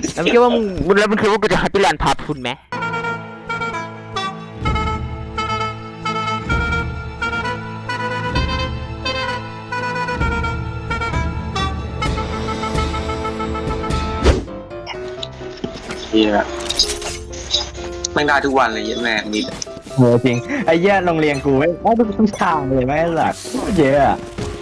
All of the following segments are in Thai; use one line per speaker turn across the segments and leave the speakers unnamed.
แล้วมึงคิดว่ามึงคิดว่ากูจะให้พี่แลนพาทุนไหม
เฮียไม่ได้ทุกวันเลยเหี้ยแม่มี
โหจริงไอ้เหี้ยโรงเรียนกูไม่ทุกทางเลยไม่หลักเยอะอะ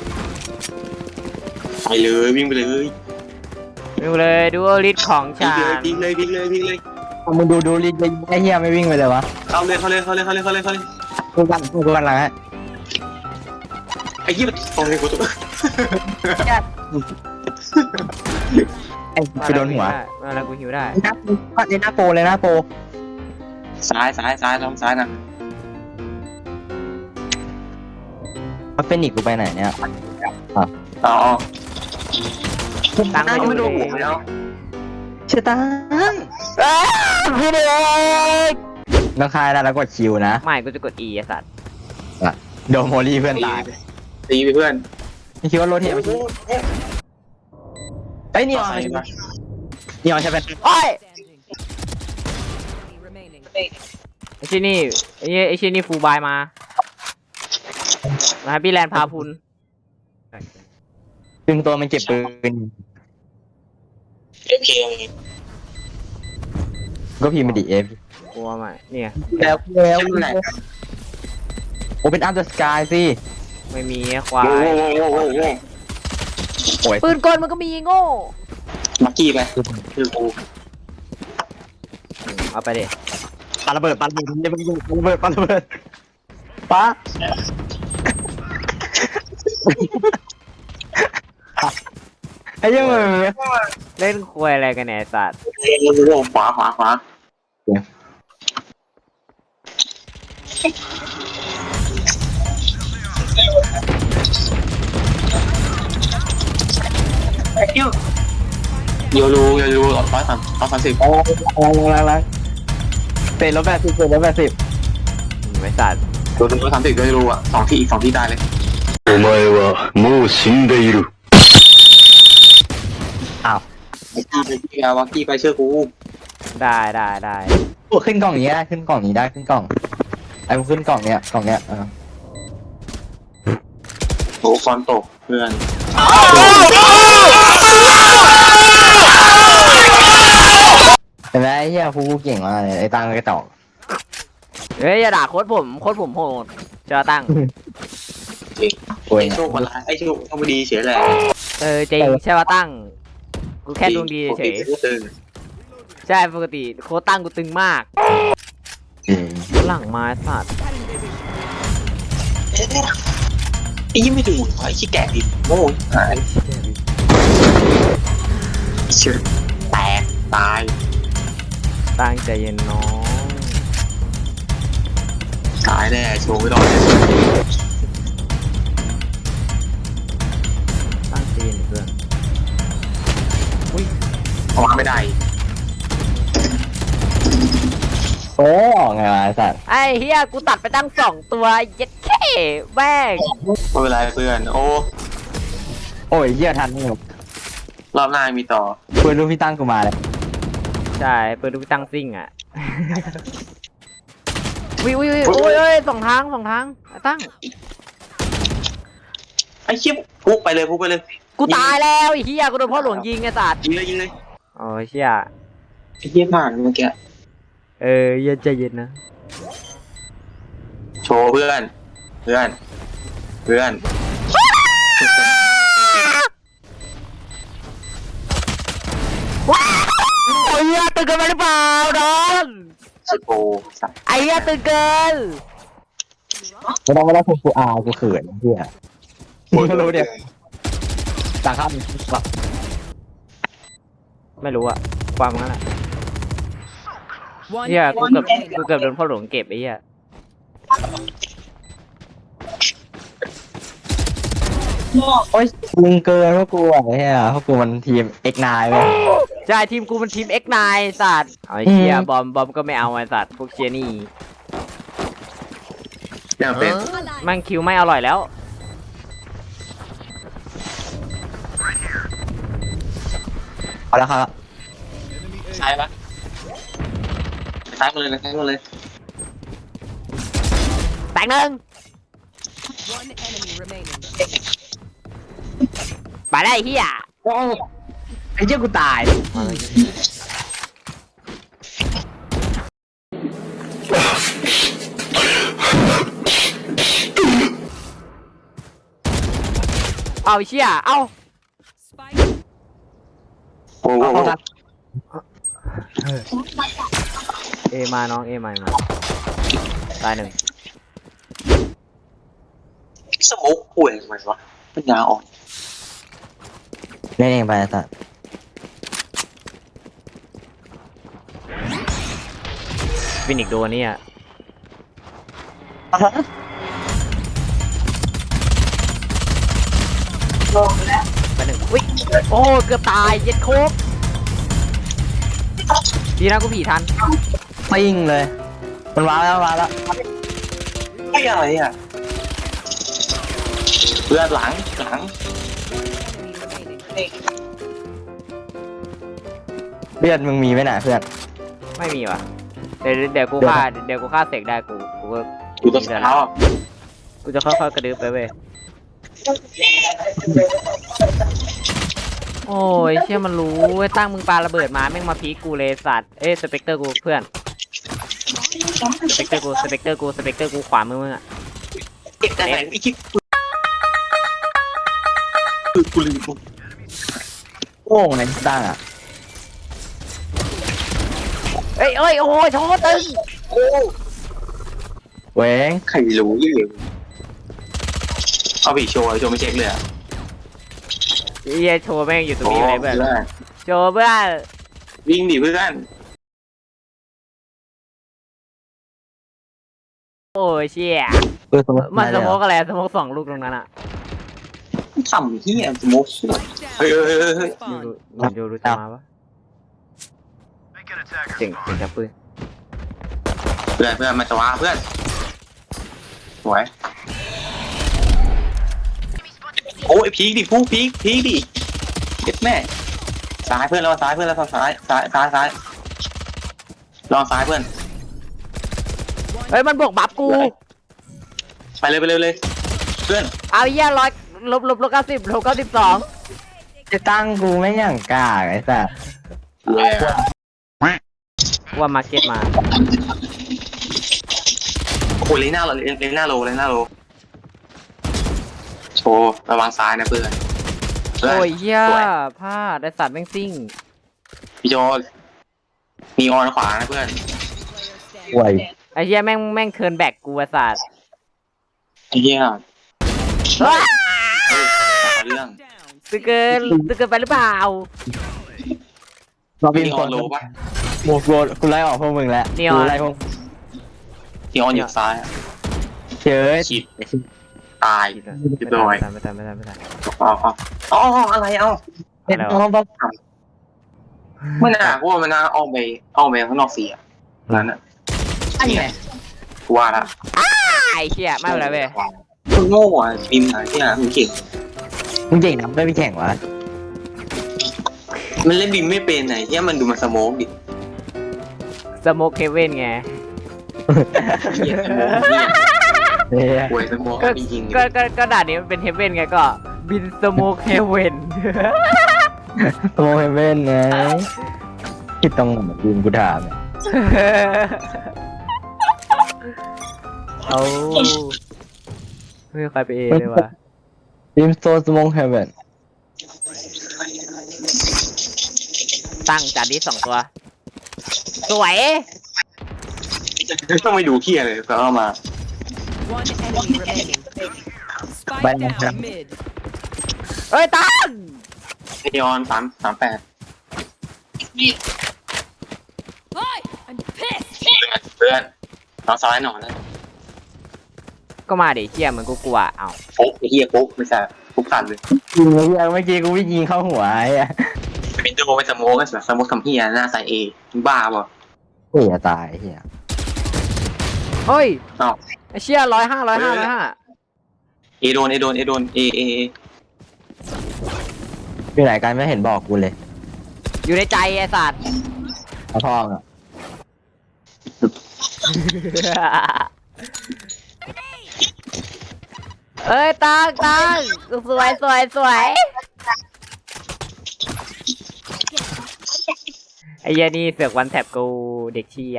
ไปเลยวิ่งไปเลย
ดูเลยดูลิสของ
วิ่ง
ฉั
เลย
น
วิ่งเลยวิ่งเลยวิ่งเลย
มึงดูลิงไอ้เหี้ยไม่วิ่งไปเลยวะ
เข้าเลยเข้าเลยเข้าเลยเข้าเลยเข้าเลยเข้าเลย
กูกันละฮะ
ไอ้เหี้ยตรงนี้กูตัว
ไอ้ไปโดนหัว
มาแล้วกูหิวได้
หน้าโปเลยหน้าโป
ซ้ายลองซ้ายนะ
มันเป็นอีกกูไปไหนเนี่ย
อ๋อ
ตั้ง
ไม่
ไม่
โด
ดู
นหัวแล้ว
เชื่อตัง
พี่เด็ก
แล้วคายแล้วกดคิวนะ
ไม่กูจะกด E ไอ้สัตว์
โดนโมลี่เพื่อนตาย
ตีไปเพื่อน
ไม่คิดว่าโรเทตไอ้นี่ออนนี่ออนใช่ไหม
โอ้ยไอ้ชิ้นนี่ไอ้ชิ้นนี่ฟูลบายมาพี่แลนพาพุน
ซึ่งตัวมันเก็บปืน
โอเค
ก็พิมพ์มาดิเอฟ
กลัวไหมเนี่ย
แล้วโอเป็นอัพเดอะสกายสิ
ไม่มีควาย
โว้
โอ้ย
ปืนกลมันก็มีโง่
มักกี้ไปคือกู
เอาไปดิ
ปาระเบิดอย่าไปยุ่งปาระเบิดป้าไอ้ยังไง
เล่นควยอะไรกันเนี่ยไอ้สัตว์
ขวาโยรู130
โอ้ลังเตะ180
ไอ้สัตว์
โยรู30โยรูอ่ะ2 ที่อีก2 ที่ได้เลย
お前はもう死んでいる。
อ้าว
ไอ้กี้ไปวักกี้ไปเชื่อกู
ได้
ขึ้นกล่องนี้ได้ขึ้นกล่องนี้ได้ขึ้นกล่องไอ้ขึ้นกล่องเนี้ย
โหฟอนตกเพื่อน
เห็นไหมไอ้เหี้ยกูเก่งมากเลยไอ้ตังกระจอก
เฮ้ยอย่าด่าโค้ดผมโหดเจ้าตั้ง
โอ้ย
ไอ้โชคมันร้ายไอ้โชคต้องไปดีเสียแหละ
จริงใช่ป่ะตั้งกูแค่ดวงดีเฉย
ตึง
ใช่ปกติโค้ดตั้งกูตึงมากหลังไม้สัตว์
ไอ้ยี่ไม่ดูไอ้ขี้แก่ดิโง่หายเชื่อแตกตาย
ตั้งใจเย็นน้อง
ตายแน่โชว์ไม่รอดเลย
ตั้งใจเย็นเพื่อน
ออกมาไม่ได้
โอ้ไงวะไอ้สัตว์
ไอ้เฮียกูตัดไปตั้ง2 ตัวเย็ดแค่แม่ง
ไม่เป็นไรเพื่อนโอ้
โอ้ยเหี้ยทันนี่
รอบหน้ามีต่อ
เพื่อนลูกพี่ตั้งกูมาเลย
ใช่เปิดดูตั้งซิ่งอ่ะอุ้ยโอ้ย2 ทางตั้ง
ไอ้เชี่ยพุกไปเลย
กูตายแล้วไอ้เฮียกูโดนพ่อหลวงยิงไอ้สัตว์
ยิงเลย
โอ้ยเฮีย
ไอ้เชี่ยผ่านเมื่อกี้
เย็นใจเย็นนะ
โชว์เพื่อนโ
อ้ยตื่นเกินไปหรือเปล่าดอน
ชิโปสัตว์
ไอ้เหี้ยตื่นเกิน
ไม่ต้องกูกูเขินเหี้ยไม่รู้เดี๋ยวต่างข้ามแบบ
ไม่รู้อะความงั้นอะเหี้ยกูเกือบโดนพ่อหลวงเก็บไอ้เหี้ย
โอ้ยมึงเกินพวกกูอ่ะเหี้ยพวกกูมันทีม X9 เว้ย
ใช่ทีมกูมันทีม X9 สัตว์ไอ้เหี้ยบอมก็ไม่เอาไอ้สัตว์พวกเชียนี่
อย่างเป็น
มันคิวไม่อร่อยแล้ว
เอาละครับ
ซ้ายปะซ้ายมาเลยนะซ้ายมาเลย
แตกหนึ่ง
One enemy remaining.
ไปได้เฮีย
โอ้ไอ้เจ้ากูตาย
เอาไอ้เชี่ยเอา
Spike
โอ้โห
เอมาน้องเอมาตายหนึ่ง
สโมุกป่วยทำไมวะปัญญาอ่อน
เล่นเองไปสัตว์
ฟินิกซ์โดนเนี่ยไปหนึ่งอุ้ยโอ้เกือบตายเย็ดโคบดีนะกูผีทัน
ปิ้งเลยมันว้าวแล้วว้าวแล้ว
ไม่อะไรอ่ะเพื่อนหลัง
enemy remaining.
เลือดมึงมีไหมน่ะเพื่อน
ไม่มีว่ะเดี๋ยวกูฆ่าเสกได้กูก็
อยู่ตรงเท้า
กูจะค่อยๆกระดึ๊บไปเว้ยโอ้ยเชี่ยมันรู้เว้ยตั้งมึงปาระเบิดมาแม่งมาพีคกูเลยสัตว์เอ้ยสเปกเตอร์กูเพื่อนสเปกเตอร์กูขวามือมึงอะ
เก็บได้ไหนไอ้คิดกูลืม
โง่ในตั้งอ่ะ
เอ้ยโอ้ยโชว์ตึง
เว้ง
ใครรู้ยี่เอาไปโชว์ไม่เช็คเลยอ่ะ
เฮียโชว์แม่งอยู่ตรงนี้เลยเพื่อนโชว์เพื่อน
วิ่งดิเพื่อน
โอ้ยเชี่ย มันสโมกอะไรสโมกสองลูกตรงนั้นอะ
ทำเฮียสโมุกเฮ้ย
Spawn.
ดูรู้จะมาปะเจ๋งจับปืน
เพื่อนมาจะว่าเพื่อนสวยโอ้ยพีกดิฟูพีกดิเด็ดแม่ซ้ายเพื่อนแล้วซ้ายลองซ้ายเพื่อน
เฮ้ยมันบวกบัฟกู
ไปเลยเพื่อน
เอาเหี้ยลบ92
จะตั้งกูไม่อย่างกล้าไอ้สัส
ว่ามาร์เก็ตมา
โอ้เลน่าโลโชว์ระวังซ้ายนะเพื่อน
โอ้ยเหี้ยพลาดได้สัตว์แม่งซิ่ง
พี่โจมีออนขวานะเพื่อน
ห่วย
ไอ้เหี้ยแม่งเทิร์นแบ็กกูไอ้สัตว์
เฮีย
ว้า
เรื่อง
Down.
ตึกเกินไปหรือเปล่า
เราบิน
มีอ
ค
อน
น
โลปะ
กูไล่ออกพวกมึงแล้วกูไล่พวก
มีออนอยู่ซ้าย
เชื้อ
ฉีดตาย
ไม่ทัน
อ๋ออะไรเอ้า
เอ็นต้องต้อง
ไม่น่าเพราะว่ามันน่าออกไปข้างนอกเสียนั้นอ่ะ
ไอ้ไง
กูว่าละ
ไอ้เชี่ยไม่เป็นไรเว้ย
มึงโง่อ่ะบิมหาที่หามึงเก่ง
มึงเก่งนะไม่ไปแข่งวะ
มันเล่นบิมไม่เป็นไหนที่มันดูมันสโมกดิ
สโมกเฮเว่นไง
เฮียสโมกเฮีย
เนี่ย
ป่วยสโมก
ก็
จริง
ก็ด่านนี้มันเป็นเฮเว่นไงก็ บินสโมกเฮเว่น
โตเฮเว่นไงคิดตรงไหนบินกูถามเนี่ย
เอาไม่มีใครไปเอเลยวะ
บิมโซสมองเฮเว่น
ตั้งจานนี้2 ตัว สวย
ต้องไปดูเฮียเลยก็เอามา
One enemy remaining. Spike down mid.
เอ้ยตั้ง
นีออน38
Hi, I'm pissed.
เพื่อนเราซ้ายหน่อยนะ
ก็มาดิเชี่ยเหมือนกูกลัวเอา
โป๊กไอ้เฮียโป๊กไม่ใช่ทุกคันเลย
ยิงเมื่อกี้กูไม่ยิงเข้าหัวไอ้อะ
เป็นดูไปสโมกกันสโมกทำเฮียหน้าใส่เอมึงบ้าป่ะ
เฮียตายเฮีย
เฮ้ย
อ้าว
ไอ้เชี่ย105
เอโดนเอ
อยู่ไหนกันไม่เห็นบอกกูเลย
อยู่ในใจไอ้สัตว์
เอาทองอ่ะ
เอ้ยตังสวยไอ้เหี้ยนี่เสือกวันแท็บกูเด็กเชีย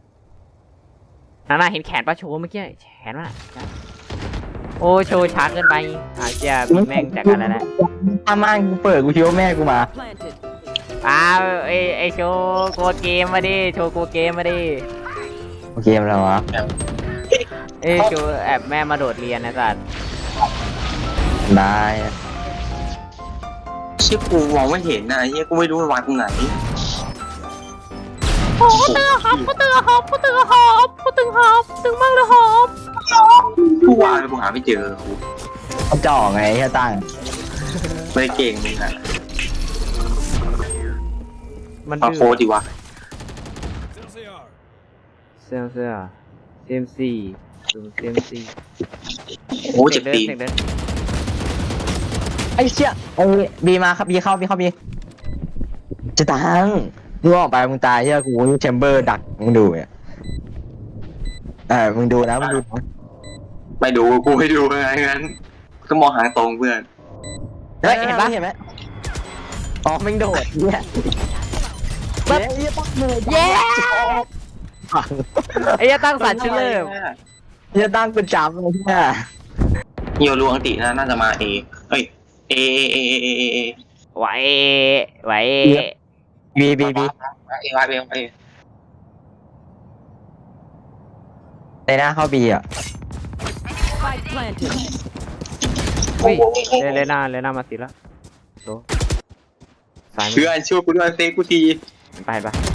น่าเห็นแขนปะโชว์เมื่อกี้แขนว่ะโอ้โชว์ช้าเกินไปเชียกูแม่งจากกันแล้วแหละ
อาม่างกูเปิดกูคิดว่าแม่กูมา
Planted.
ไอโชว์โกดเกมมาดิโชว์โกดเกมมาดิ
โอเคแล้ววะ
โชว์แอบแม่มาโดดเรียนนะสัตว์
ได้
ชื่อกูมองไม่เห็นนะไอ้เหี้ยกูไม่รู้มันวางตรงไหน
โอ้ตึงหอบตึงมากเลยหอบ
กูวางเลยกูหาไม่เจอกู
เขาจ่อไงแค่ตั้ง
ไม่ได้เก่งมึงอะ
มัน
ฟัง
ดื้
โค้ดดีวะ
เสื้อเซมซี
โอ้เจ็บตีน
ไอ้เชี่ยไอ้บีมาครับบีเข้าจะตั้งมึงออกไปมึงตายเฮียกูแชมเบอร์ดักมึงดูเนี่ยมึงดูนะมึงดูนะ
ไม่ดูกูไม่ดูไงงั้นก็มองหางตรงเพื่อน
เฮ้ยเห็นไหมอ๋อมึงโดดเนี่ยเย้ตั้งเลย
เย้ไอ้ยตั้งสัตว์ชื่อเริ่ม
เฮียตั้งเป็นจำเลยเนี่ย
เฮียรู้อังติน่าจะมาเอเอ้ยเอ
ไหว
บี
เอวายเอ
ในหน้าเข้าบีอ่ะ
Spike planted.
เลน่ามาสิละโดสายมื
เพื่อนช่วยกูด้วยเซฟกูที
ไป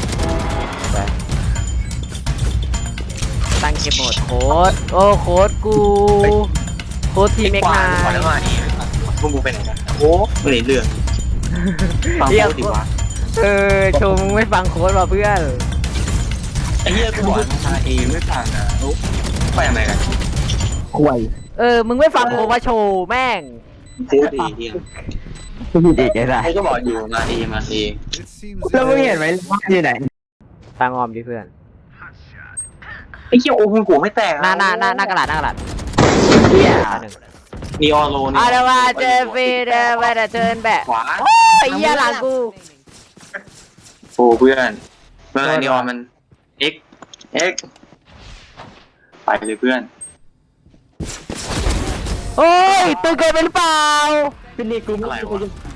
ตั้งเก็บหมดโค้ดโอ้โค้ดกูโค้ดทีมเอ็ก
กวา
นา
งก่อนแล้วมาเอพวกมึงไปไหนกันโอ้ไม่ได้เรื่องฟังโค้ดดีวะ
ชมมึงไม่ฟังโค้ดว่ะเพื่อน
ไอ้เหี้ยกูบอกมาเอไม่ฟังนะไปทำไมกัน
ห่วย
มึงไม่ฟังโค้ดว่าโชว์แม่ง
โค้ดดีเฮีย
กูผิดอีกไงล่ะ
ไอ้ก็บอกอยู่มาเอ
แล้วมึงเห็นไหมว่าอยู่ไหน
ตั้งออมดิเพื่อน
ไอ้เหี้ยโอ้มึงหัวไม่แตก
หน้ากระดาษ
เฮีย
นีออนโลนี่
อาเดว่าเจอฟีเดไปแต่เชิญแบบ
ขวา
ไอ้เหี้ยหลังกู
โอ้เพื่อนนีออนมันเอ็กไปเลยเพื่อน
โอ้ยตึงเกินไปหรือเปล่า
คือนี่กู
อะไรวะ